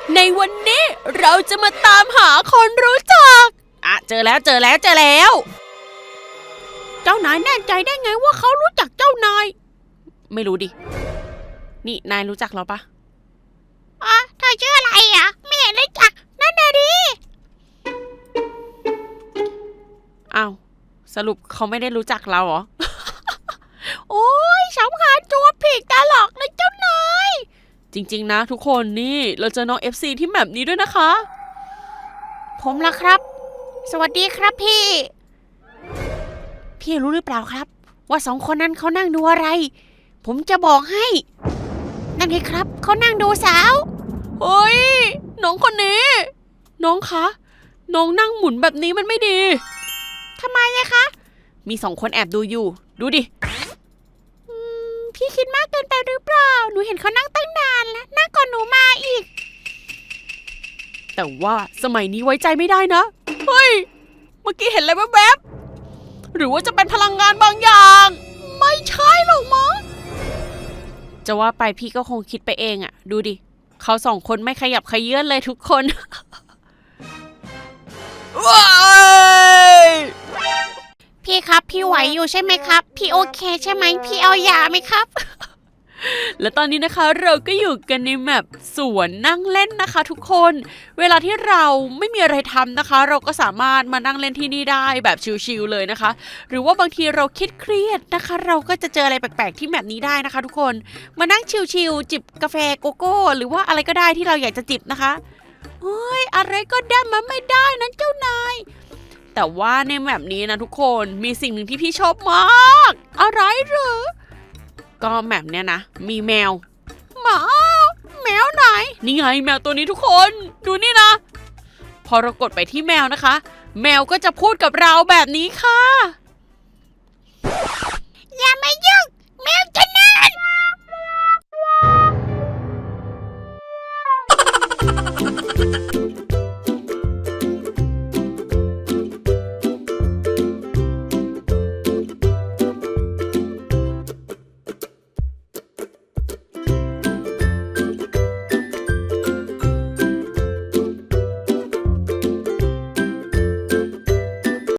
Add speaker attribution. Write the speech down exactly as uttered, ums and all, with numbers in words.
Speaker 1: ในวันนี้เราจะมาตามหาคนรู้จักอ่ะเจอแล้วเจอแล้วเจอแล้วเจ้านายแน่ใจได้ไงว่าเขารู้จักเจ้านายไม่รู้ดินี่นายรู้จักเราปะ
Speaker 2: อ๋อเธอชื่ออะไรอ่ะไม่เห็นรู้จักนั่นน่ะดิ
Speaker 1: อ้าวสรุปเขาไม่ได้รู้จักเราเหรอ
Speaker 2: โอ้ยสำคัญตัวผิดตลอดเลยเจ้านาย
Speaker 1: จริงๆนะทุกคนนี่เราเจอน้อง เอฟ ซี ที่แมปนี้ด้วยนะคะ
Speaker 2: ผมล่ะครับสวัสดีครับพี่
Speaker 1: พี่รู้หรือเปล่าครับ
Speaker 2: ว่าสองคนนั้นเขานั่งดูอะไรผมจะบอกให้นั่นไงครับเขานั่งดูสาว
Speaker 1: เฮ้ยน้องคนนี้น้องคะน้องนั่งหมุนแบบนี้มันไม่ดี
Speaker 2: ทำไมอะคะ
Speaker 1: มีสองคนแอบดูอยู่ดูดิ
Speaker 2: พี่คิดมากเกินไปหรือเปล่าหนูเห็นเขานั่งตั้งนานแล้วนั่งก่อนหนูมาอีก
Speaker 1: แต่ว่าสมัยนี้ไว้ใจไม่ได้นะเฮ้ยเมื่อกี้เห็นอะไรแวบๆหรือว่าจะเป็นพลังงานบางอย่าง
Speaker 2: ไม่ใช่หรอกมั้ง
Speaker 1: จะว่าไปพี่ก็คงคิดไปเองอะดูดิเขาสองคนไม่ขยับขยื่นเลยทุกคนว้าย
Speaker 2: พี่ครับพี่ไหวอยู่ใช่ไหมครับพี่โอเคใช่ไหมพี่เอายาไหมครับ
Speaker 1: และตอนนี้นะคะเราก็อยู่กันในแมปสวนนั่งเล่นนะคะทุกคนเวลาที่เราไม่มีอะไรทำนะคะเราก็สามารถมานั่งเล่นที่นี่ได้แบบชิลๆเลยนะคะหรือว่าบางทีเราคิดเครียดนะคะเราก็จะเจออะไรแปลกๆที่แมปนี้ได้นะคะทุกคนมานั่งชิลๆจิบกาแฟโกโก้หรือว่าอะไรก็ได้ที่เราอยากจะจิบนะคะเฮ้ยอะไรก็ได้มันไม่ได้นะเจ้านายแต่ว่าในแมปนี้นะทุกคนมีสิ่งหนึ่งที่พี่ชอบมากอะไรเหรอก็แมปเนี้ยนะมีแมว
Speaker 2: หมาแมวไหน
Speaker 1: นี่ไงแมวตัวนี้ทุกคนดูนี่นะพอเรากดไปที่แมวนะคะแมวก็จะพูดกับเราแบบนี้ค่ะ